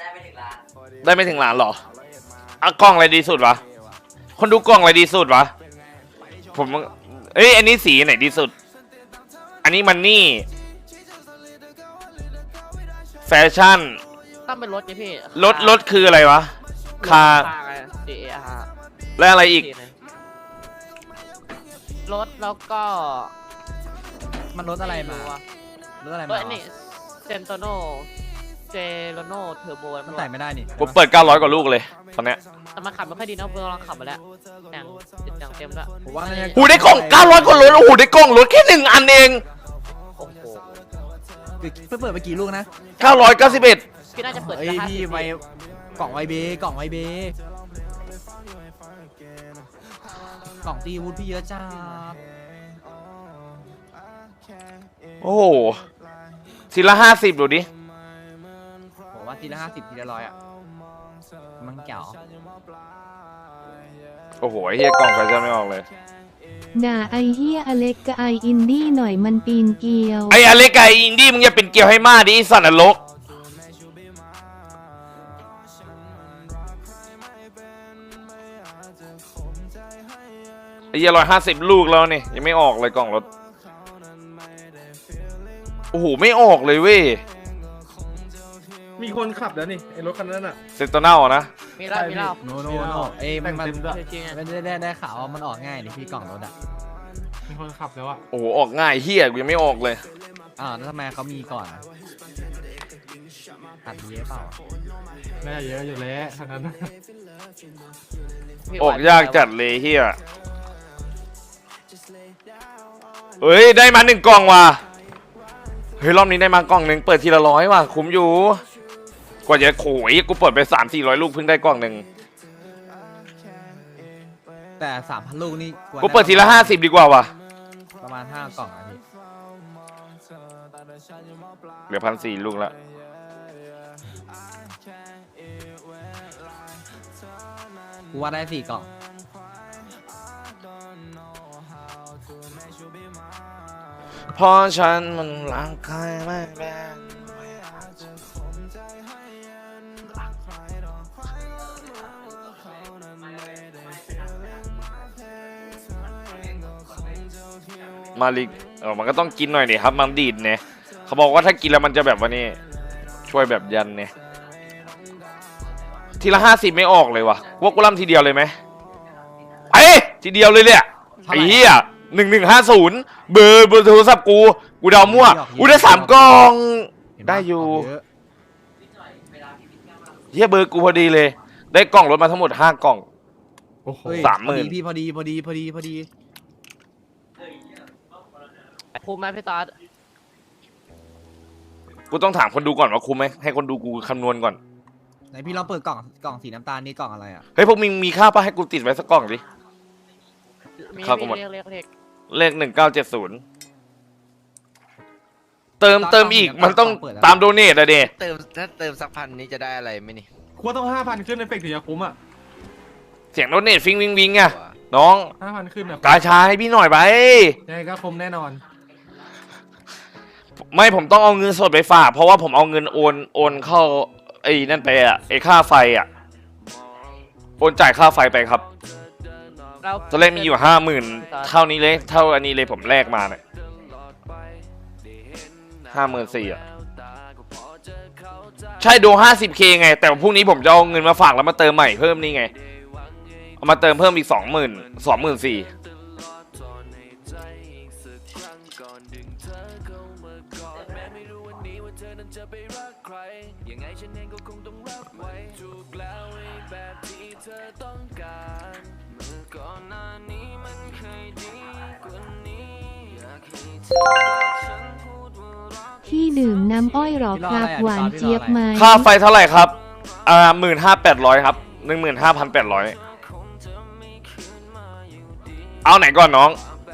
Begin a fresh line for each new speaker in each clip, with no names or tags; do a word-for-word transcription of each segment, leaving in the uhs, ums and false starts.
ไม่ถึงล้าน
ได้ไม่ถึงล้านหรออ่ะกล้องอะไรดีสุดวะคนดูกล้องอะไรดีสุดวะผมเอ้ยอันนี้สีไหนดีสุดอันนี้มันนี่แฟชั่น
ต้องเป็นรถไงพี่
รถรถคืออะไรวะคาร์และอะไรอีก
รถแล้วก็
มันรถอะไรมารถอะไรมา
นี่เซนโตโนเจโรโนเทอร์โบ
มันใส่ไม่ได้นี่
กูเปิดเก้าร้อยกว่าลูกเลยตอนเนี้ย
แต่มันขับไม่ค่อยดีนะเพื่อนลองขับมาแล้วแต่งติดแต่งเต็มแล้ว
ผมว่า
หูได้กล่องเก้าร้อยกว่ารถโอ้โหได้กล่องรถแค่หนึ่งอันเอง
โอ้โห
เพิ่งเปิดไปกี่ลูกนะ
เก้าร้อยเก้าสิบเอ็ด
พี่น่าจะเปิด
เอ้ยพี่ไวกล่องไวเบกล่องไวเบกล่องตีวูดพี่เยอะจ้า
โอ้โหทีละห้าสิบดูดิ
ผมว่าทีละห้าสิบทีละร้อยอ่ะมันเก่า
โอ้โหไอ้เฮียกล่องไฟจะไม่ออกเลย
ด่าไอเฮียอเล็กกับไออินดี้หน่อยมันปีนเกลียว
ไออเล็กกับไออินดี้มึงอย่าเป็นเกลียวให้มากดิไอสัตว์นรกไอเฮียร้อยห้าสิบลูกแล้วนี่ยังไม่ออกเลยกล่องรถโอ้โหไม่ออกเลยเว้ย
มีคนขับแล้วนี่ไอรถคันนั้นอ่ะ
เซนโตเน่านะ
มีเล่ามีเล่า
โนโนโนเอ้มันมันไม่ได้ได้ได้ข่าวว่ามันออกง่ายนี่พี่กล่องรถอ่ะ
มีคนขับแล้วอ่ะ
โอ้โหออกง่ายเฮียยังไม่ออกเลย
อ้าวแล้วทำไมเขามีก่อนตัดเยอะเปล่า
แม่เยอะอยู่แล้วคันนั้น
ออกยากจัดเลยเฮียเฮ้ยได้มาหนึ่งกล่องว่ะเฮ้ยรอบนี้ได้มากล่องหนึ่งเปิดทีละร้อยว่ะคุ้มอยู่กว่าจะโขยกูเปิดไปสามสี่ร้อยลูกเพิ่งได้กล่องหนึ่ง
แต่สามพันลูกนี่
กูเปิดทีละห้าสิบดีกว่าว่ะ
ประมาณห้ากล่องอ่ะพี่
เหลือพันสี่ลูกละ
กูว่าได้สี่กล่อง
เพราะฉันมันร่างกายไม่แบ่งมาลิกเออมันก็ต้องกินหน่อยดิครับมันดีดเนี่ยเขาบอกว่าถ้ากินแล้วมันจะแบบว่านี่ช่วยแบบยันเนี่ยทีละห้าสิบไม่ออกเลยว่ะว่ากูร่ำทีเดียวเลยไหมเอ้ทีเดียวเลยเนี่ยไอ้เหี้ยหนึ่งหนึ่งห้าศูนย์เบอร์เบอร์โทรศัพท์กูกูเดามั่วกูได้สามกล่องได้อยู่เหี้ยเบอร์กูพอดีเลยได้กล่องรถมาทั้งหมดห้ากล่องสามหมื่น
พี่พอดีพอดีพอดีพอดี
คุ้มไหมพี่ตา
กูต้องถามคนดูก่อนว่าคุ้มไหมให้คนดูกูคำนวณก่อน
ไหนพี่ลองเปิดกล่องกล่องสีน้ำตาลนี่กล่องอะไรอ่ะ
เฮ้ยพวกมึงมีค่าป่ะให้กูติดไว้สักกล่องดิ
ข้าวกูหมดเลข
เลขหนึ่งเก้าเจ็ดศูนย์เติมเติมอีกมันต้องตามโดเนทอะเด
เติมถ้าเติมสักพันนี้จะได้อะไรไหมนี่
ควรต้องห้าพันขึ้นในเฟกถึงจะคุ้มอ่ะ
เสียงโดเนทฟิงวิงวิงอะน้อง
ห้าพันขึ้นแบบ
กาชาให้พี่หน่อยไป
ยังไงก็คุ้มแน่นอน
ไม่ผมต้องเอาเงินสดไปฝากเพราะว่าผมเอาเงินโอนโอนเข้าไอ้นั่นไปอะไอ้ค่าไฟอะโอนจ่ายค่าไฟไปครับตอนแรกมีอยู่ห้าหมื่นเท่านี้เลยเท่าอันนี้เลยผมแลกมาเนี่ยห้าหมื่นสี่อะใช่ดูห้าสิบเคไงแต่พรุ่งนี้ผมจะเอาเงินมาฝากแล้วมาเติมใหม่เพิ่มนี่ไงเอามาเติมเพิ่มอีกสองหมื่นสองหมื่นสี่
ที่ดื่มน้ำอ้อยหรอครับหวานเจี๊ยบไหม
ค่าไฟเท่าไหร่ครับอ่าหมื่นห้าแปดร้อยครับหนึ่งหมื่นห้าพันแปดร้อยเอาไหนก่อนน้อง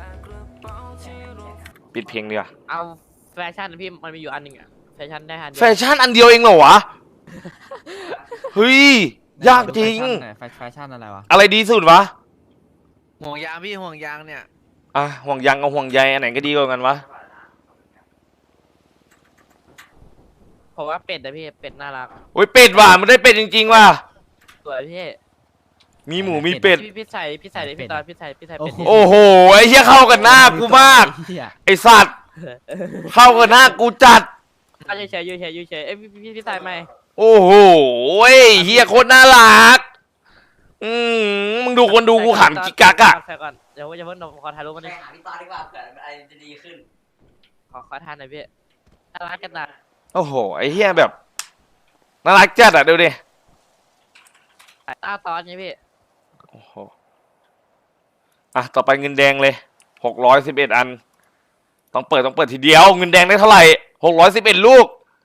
ปิดเพลงดีกว่า
เอาแฟชั่นพี่มันมีอยู่อันหนึ่งอะแฟชั่นได้อันเดียว
แฟชั่นอันเดียวเองเหรอวะเฮ้ยยากจริง
แฟชั่นอะไรวะ
อะไรดีสุดวะ
ห่วงยางพี่ห่วงยางเนี่ย
อ่ะห่วงยางกับห่วงใยอันไหนก็ดีกว่ากันวะ
ผผมว่าเป็ดนะพี่เป็ดน่ารัก
โอ้ยเป็ดว่ะมันได้เป็ดจริงๆว่ะ
สวยพี่
มีหมูมีเป็ด
พี่พี่ใส่พี่ใส่ดิพี่ตอนพี่ใส่พี่ใส่เป็ดดิ
โอ้โหไอ้เหี้ยเข้ากันหน้ากูมาก
ไอ้เหี้ย
ไอ้สัตว์เข้ากันหน้ากูจัด
อ่ะเฉยๆอยู่เฉยๆอยู่เฉยๆเอ้ยพี่พี่พี่ใส่ไหม
โอ้โหเฮียโคตรน่ารัก อืมมึงดูคนดูกูขำจิกกักอะ
ใส่ก่อนเดี๋ยวจะเพิ่งขอถ่ายรูปมัน
ไป
ดิ
หาพี่ตอนดีกว่าเผื่ออะไรจะดีขึ้น
ขอขอทานหน่อยพี่น่ารักกันนะ
โอ้โหไอ้เฮียแบบน่ารักจัดอะดูดิ
สายตาตอนนี้พี่
โอ้โหอ่ะต่อไปเงินแดงเลยหกร้อยสิบเอ็ดอัน ต้องเปิดต้องเปิดทีเดียวเงินแดงได้เท่าไหร่หกร้อยสิบเอ็ดลูก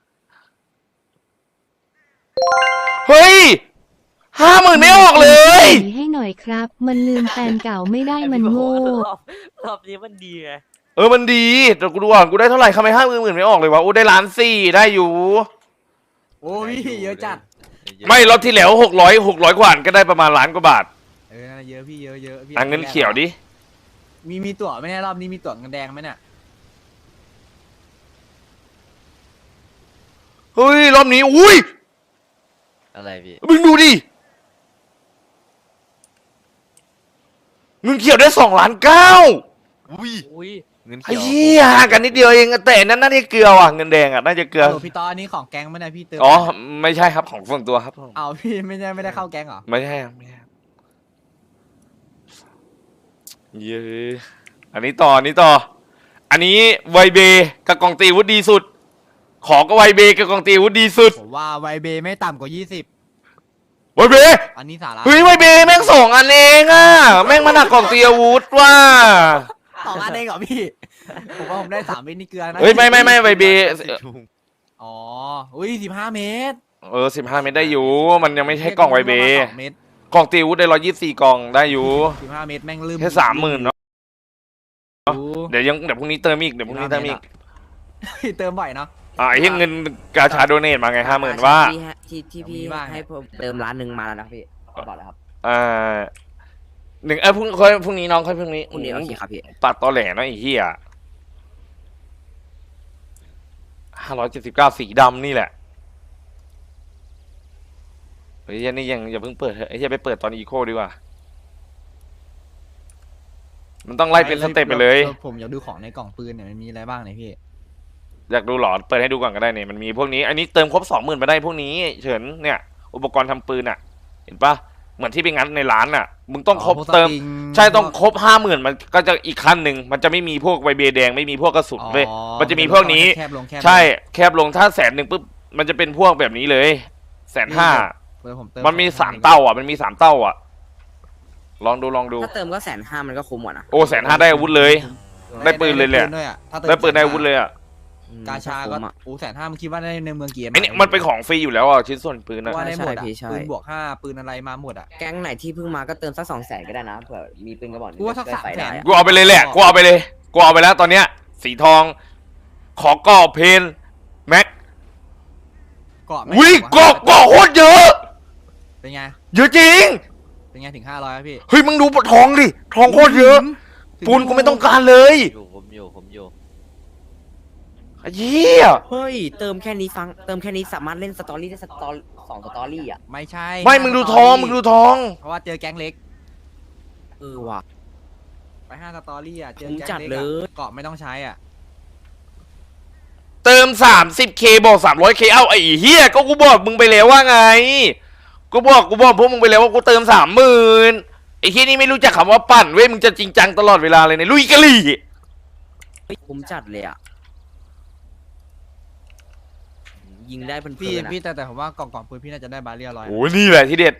เฮ้ยห้าหมื่นไม่ออกเลย
ให้หน่อยครับ มันลืมแฟนเก่าไม่ได้มันโง่
รอบรอบนี้มันดีไง
เออมันดีแต่กูดูอ่ะกูได้เท่าไหร่ทำไมห้าหมื่นไม่ออกเลยวะโอ้ได้ล้านสี่ได้อยู่
โอ้พี่เยอะจัด
ไม่รอบที่แล้วหกร้อยหกร้อยกว่าก็ได้ประมาณล้านกว่าบาท
เออนั่นนะเยอะพี่เยอะเยอะพี่
อ่ะเงินเขียวดิ
มีมีตั๋วไหมเนี่ยรอบนี้มีตั๋วเงินแดงไหมเนี่ย
เฮ้ยรอบนี้อุ้ย
อะไรพี่
มึงดูดิเงินเขียวได้สองล้านเก้า
อุ้ย
อุ้ย
เงิน
ไอ้
เขียว
เหี้ยห่างกันนิดเดียวเองแต่อันนั้นน่าจะเกลือว่ะเงินแดงอ่ะน่าจะเกลือ
โอ้พี่ตอนนี้ของแก๊งไหมเนี่ยพี่เติม
อ๋อไม่ใช่ครับของส่วนตัวครับ
เอาพี่ไม่ได้ไม่ได้เข้าแก๊งเหรอ
ไม่ใช่ครับไม่ใช่ครับเย้อันนี้ต่ออันนี้ต่อ อันนี้ไวเบกับกองตีวุฒิดีสุด ขอก็ไวเบกับกองตีวุฒิดีสุด
ผมว่าไวเบไม่ต่ำกว่ายี่สิบ
ไวเบ
อันนี้สาระ
เฮ้ยไวเบแม่งสองอันเองอ่ะแม่งมาหนักกองตีอาวุธว่ะ
สองอันเองเหรอพี่ ผมว่าผมได้สามเม็ดนี่เกลือนะ
เฮ้ยไม่ไม่ไม่ไวเบ
อ๋ออุ้ยสิบห้าเมตร
เออสิบห้าเมตรได้อยู่ มันยังไม่ใช่กล่องไวเบ
สองเมตร
กล่องตีอาวุธได้ร้อยยี่สิบสี่กล่องได้อยู่
สิบห้าเมตรแม่งลืม
แค่สามหมื่นเนาะ
ดู
เดี๋ยวยังเดี๋ยวพรุ่งนี้เติมอีกเดี๋ยวพรุ่งนี้เติมอีก
เติมบ่อยเนาะ
อ่าไอ้ที่เงินกาชาโดเนทมาไงห้าหมื่นว่า
ที่ฮะที่ที่พี่
มีบ้าง
ให้ผมเติมร้านหนึ่งมาแล้วนะพี่บอกแล้วครับ
อ่าหนึ่งเออพรุ่งค่อยพรุ่งนี้น้องค่อยพรุ่งนี้
คุณเดียวโอเคครับพี่
ตัดตอแหลเนาะไอ้เหี้ยห้าร้อยเจ็ดสิบเก้าสีดำนี่แหละเฮ้ยนี่ยังอย่าเพิ่งเปิดเถอะไอ้เหี้ยไปเปิดตอนอีโคดีกว่า มันต้องไล่เป็นสเต็ปไปเลย
ผมอยากดูของในกล่องปืนเนี่ยมันมีอะไรบ้างเนี่ยพี่
อยากดูหรอเปิดให้ดูก่อนก็ได้เนี่ยมันมีพวกนี้ อันนี้เติมครบสองหมื่นมาได้พวกนี้เฉินเนี่ย อุปกรณ์ทำปืนอ่ะ เห็นปะเหมือนที่ไปงัดในร้านอ่ะ มึงต้องครบ
พวกส
เติม
ปริง
ใช่ต้องครบห้าหมื่นมันก็จะอีกขั้นหนึ่งมันจะไม่มีพวกไวเบแดงไม่มีพวกกระสุนเลย
อ๋อ
มันจะมีพวกนี้
แคบลงแคบลง
ใช่แคบลงถ้าแสนหนึ่งปุ๊บมันจะเป็นพวกแบบนี้เลยแสนห้า
เปิดผมเติ
มันมีสามเต้าอ่ะ มันมีสามเต้าอ่ะ ลองดูลองดู
ถ้าเติมก็แสนห้ามันก็คุ้มกว่านะ
โอ้แสนห้าได้อาวุธเลย ได้ปืนเลยแหละ
ได้ปืนด้วยอะถ้าเติม
ได้ปืนได้อาวุธเลยอ่ะ
อืม
กาชาก็
คุ้มอะ
โอ้แสนห้ามึงคิดว่าได้ในเมืองเกียร์
ไอ้นี่มันเป็นของฟรีอยู่แล้วอ่ะชิ้นส่วนปืนอ่ะ
ว่าได้หมดอะ
ใช่พี่ใช่
ปืนบวกห้าปืนอะไรมาหมดอ่ะ
แก๊งไหนที่เพิ่งมาก็เติมสักสองแสนก็ได้นะเผื่อมีปืนกระบอกหนึ่ง
กูว่าสัก
ได้
สาม
ไฟ
แส
ได้
น
อะ
กูเอาไปเลยแหละกูเอาไปเลยกูเอาไปแล้วตอนเนี้ย สีทอง ขอกรอบเพนแม็ก
เกาะไม่
วิ่ง
ต่ำว่า
เกาะเกาะโคตรเยอะ
เป็นไง
เยอะจริง
เป็นไงถึงห้าร้อยพี่
เฮ้ยมึงดูทองดิทองโคตรเยอะ
ถึง
ปูนกูไม่ต้องการเลย
อยู่ผมอยู่ผมอยู่
ไอ้เหี้ย
เฮ้ยเติมแค่นี้ฟังเติมแค่นี้สามารถเล่นสตอรี่ได้สตอรี่สองสตอรี่อ่ะ
ไม่ใช่
ไม่มึงดูทองมึงดูทอง
เพราะว่าเจอแก๊งเล็ก
เออว่ะ
ไปห้าสตอรี่อ่ะเจอ
ผม
แก๊ง
จัด
เล็ก
เล
อะ
ย
เกาะไม่ต้องใช้อ่ะ
เติม สามสิบเค บอกสามร้อยเค เอ้าไอ้เหี้ยก็กูบอกมึงไปแล้วว่าไง กูบอกกูบอกพวกมึงไปแล้วว่ากูเติมสามหมื่นไอ้เหี้ยนี่ไม่รู้จักคำว่าปั่นเว้ยมึงจะจริงจังตลอดเวลาเลยเนี่ยลุยกะลี่
เฮ้ยคุ้มจัดเลยอ่ะยิงได้เพลินๆ
พี่
อะ
พี่แต่แต่ผมว่ากล่องกล่องปืนพี่น่าจะได้บาเรียร้อย
โอ้ยนี่แหละที่เด็ด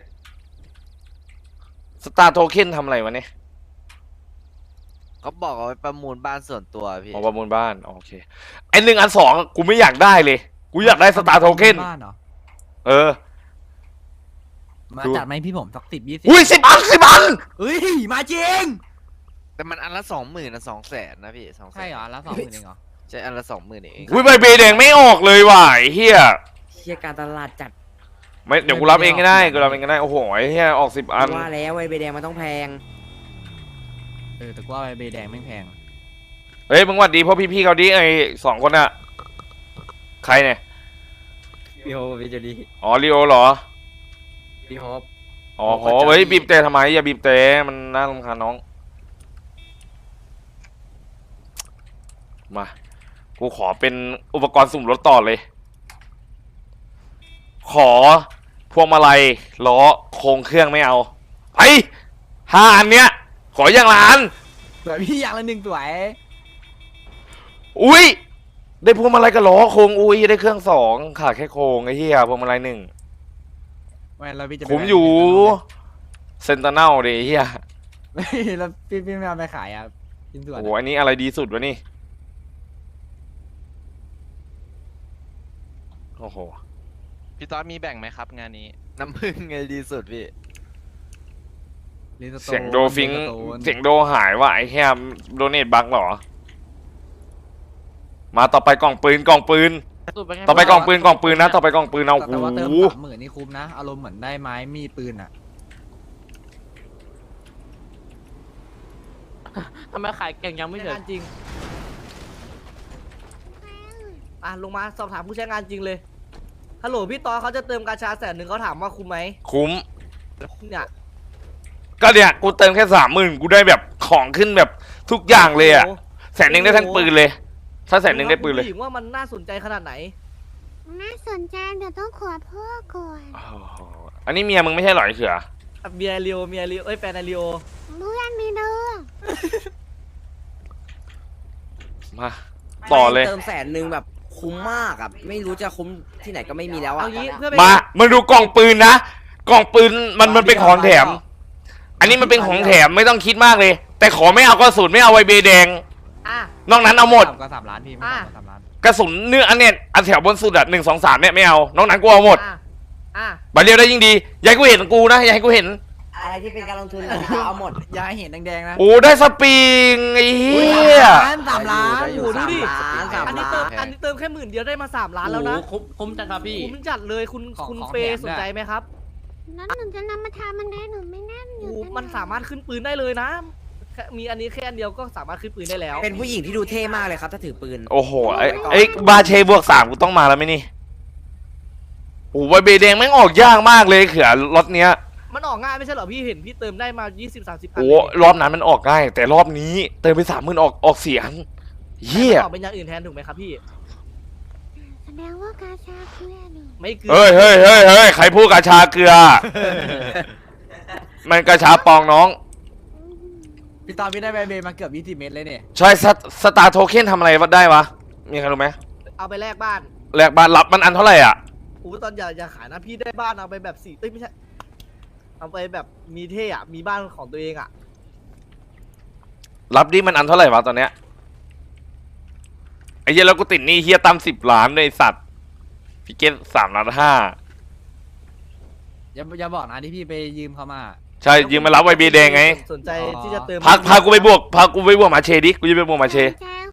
สตาร์โทเค็นทำอะไรวะเนี่ย
เขาบอกเอาไว้ประมูลบ้านส่วนตัวพี่
อ๋อประมูลบ้านโอเคไอ้หนึ่งอันสองกูไม่อยากได้เลย กูอยากได้สตาร์โทเค็น
บ้านเหรอ
เออ
มา
ดู
จัดไหมพี่ผมสักสิบยี่สิบ
อุ้ยสิบอันสิบอัน
เฮ้ยมาจริง
แต่มันอันละสองหมื่นนะสองแสนนะพี่สองแสน
ใช่เหรอแล้วสองหมื่นเองเหรอ
ใช่อันละสองหมื่นเอง
อุ้ยใบเบแดงไม่ออกเลยว่ะไอ้เฮีย
เชี่ยการตลาดจัด
ไม่เดี๋ยวกูรับเองก็ได้กูรับเองก็ได้โอ้โหไอ้เฮียออกสิบอัน
ว่าแล้วไอ้ใบแดงมันต้องแพง
เออแต่กูว่าใบแดงไม่แพง
เฮ้ยมึงหวัดดีเพราะพี่ๆเขาดิไอ้สองคนอะใครเนี่ย
พี่โฮปพี่จูดี้
อ๋อลีโอเหรอ
พี่โฮป
อ๋อ
โอ้
โห
ขอใจ
เฮ้ยบีบเตะทำไมอย่าบีบเตะมันน่ารำคาญน้องมากูขอเป็นอุปกรณ์สุ่มรถต่อเลย ขอพวงมาลัยล้อโครงเครื่องไม่เอาไปห้าอันเนี้ยขออย่างละอัน
สวยพี่อย่างละหนึ่งสวย
อุ้ยได้พวงมาลัยกับล้อโครงอุ้ยได้เครื่องสองขาดแค่โครงไอ้เหี้ยพวงมาลัยหนึ่ง
ไม่แล้วพี่จะไป
ผมอยู่เซนตาเนลดิไอ้เหี้ย
ไม่แล้วพี่พี่ไม่เอาไปขายอ่ะชิ้นส่วน
โอ้โหอันนี้อะไรดีสุดวะนี่โอ้โห
พี่ต๊อดมีแบ่งไหมครับงานนี้
น้ำผึ้งไงดีสุดพี่
ลินสโตน
เสียงโดฟิง
ลินสโตน
เสียงโดหายว่ะไอ้แค่โดเนทบักเหรอ มาต่อไปกล่องปืนกล่องปืน
สูตรเป็นไง
ต่อไปกล่องปืนกล่องปืนนะต่อไปกล่องปืนเอา
แต่ว่าเติม
โอ้โห
สามหมื่นนี่คุ้มนะอารมณ์เหมือนได้ไม้มีดปืนอ่ะ
ทำไมขายเก่งยังไม่เสร็จ
จริงอ่ะลงมาสอบถามผู้ใช้งานจริงเลยฮัลโหลพี่ตอเขาจะเติมกาชาแสนหนึ่งเขาถามว่าคุ้มไหม
คุ้ม
เนี่ย
ก็เนี่ยกูเติมแค่สามหมื่นกูได้แบบของขึ้นแบบทุกอย่างเลยอ่ะ
โโห
แสนหนึ่งได้ทั้งปืนเลย ถ้าแสนหนึ่งได้ปืนเลย
ผู้หญิงว่ามันน่าสนใจขนาดไหน
น่าสนใจเดี๋ยวต้องขอพ่อก่อน
โอ้โหอันนี้เมียมึงไม่ใช่เหรอไอ้เขือ
เมียเรียวเมียเรียวเอ้ยแฟนไอเรียว
เพื่อนมีเด้อ
มาต่อเลย
เติมแสนหนึ่งแบบคุ้มมากอ่ะไม่รู้จะคุ้มที่ไหนก็ไม่มีแล้วอ่ะ
เอางี้
ตอน
เพื่
เนี้ย
อเป็น
มามึงดูกล่องปืนนะกล่องปืนมันมันเป็นของแถม อันนี้มันเป็นของแถมไม่ต้องคิดมากเลย แต่ขอไม่เอากระสุนไม่เอาไวเบแดง
อ่ะ
นอกนั้นเอาหมด
ก็สามล้านพี่ไม่
อ่ะ
ต่ำกว่าสามล้าน
กระสุนเนื้ออันเนี้ยอันแถวบนสุดอะหนึ่งสองสามเนี่ยไม่เอานอกนั้นกูเอาหมด
อ่ะอ่ะ
บัตรเดียวได้ยิ่งดีอยากให้กูเห็นกูนะอยากให้กูเห็น
อะไรที่เป็นการลงทุนเอาหมด
อย่าให้เห็นแดงๆนะ
โอ้ได้สปริงไอ้เหี้ย
สามล้าน
ได้อยู่
โอ้โหดูดิ
สามล้านสาม
อันนี้
ล้า
เติม
น
อันนี้เติมแค่หมื่นเดียวได้มาสามล้านแล้วนะ
โอ้โหคุ้มคุ้มจังครับพี่
คุ้มจัดเลยคุณคุณเฟย์สนใจไหมครับ
นั้นหนูจะนำมาทำมันได้หนูไม่แน่นอ
โอ้
ยู่
โหมันสามารถขึ้นปืนได้เลยนะแค่มีอันนี้แค่อันเดียวก็สามารถขึ้นปืนได้แล้ว
เป็นผู้หญิงที่ดูเท่มากเลยครับถ้าถือปืน
โอ้โหไอ้ไอ้บาเชบวกสามกูต้องมาแล้วไหมนี่โอ้ไวเบแดงแม่งออกยากมากเลยเขือรถเนี้ย
มันออกง่ายไม่ใช่เหรอพี่เห็นพี่เติมได้มา ยี่สิบ สามสิบอัน
โอ้
เลย
รอบนั้นมันออกง่ายแต่รอบนี้เติมไปสามหมื่นออกออกเสียงเหี้ย
ออกเป็นอย่างอื่นแทนถูกไหมครับพี่
แสดงว่ากาชาเพื่อนหนู
ไม่เกิน
เฮ้ยเฮ้ยเฮ้ยเฮ้ยใครพูดกระชาเกลือ มันกระชาปองน้อง
พี่ตอนพี่ได้ใบเบมาเกือบยี่สิบเมตรเลยเนี่ย
ใช่สตสตาร์โทเค็นทำอะไรได้วะ มีใครรู้ไหม
เอาไปแลกบ้าน
แลกบ้านรับมันอันเท่าไหร่อ่ะ
โอ้ตอนอย่าอย่าขายนะพี่ได้บ้านเอาไปแบบสี่เอ้ยไม่ใช่เอาไปแบบมีเท่อะมีบ้านของตัวเองอะ
รับดิมันอันเท่าไหร่วะตอนเนี้ยไอ้เหี้ยแล้วกูติดหนี่เฮียตั้มสิบล้านเลยไอ้สัตว์พี่เกตสามล้านห้า
อย่าอย่าบอกนะที่พี่ไปยืมเขามา
ใช่ยืมมารับไวเบแดงไง
สนใจที่จะเติม
พาพากูไปบวกพากูไปบวกมาเชดิกูจะไปบวกมาเช
แจ้ง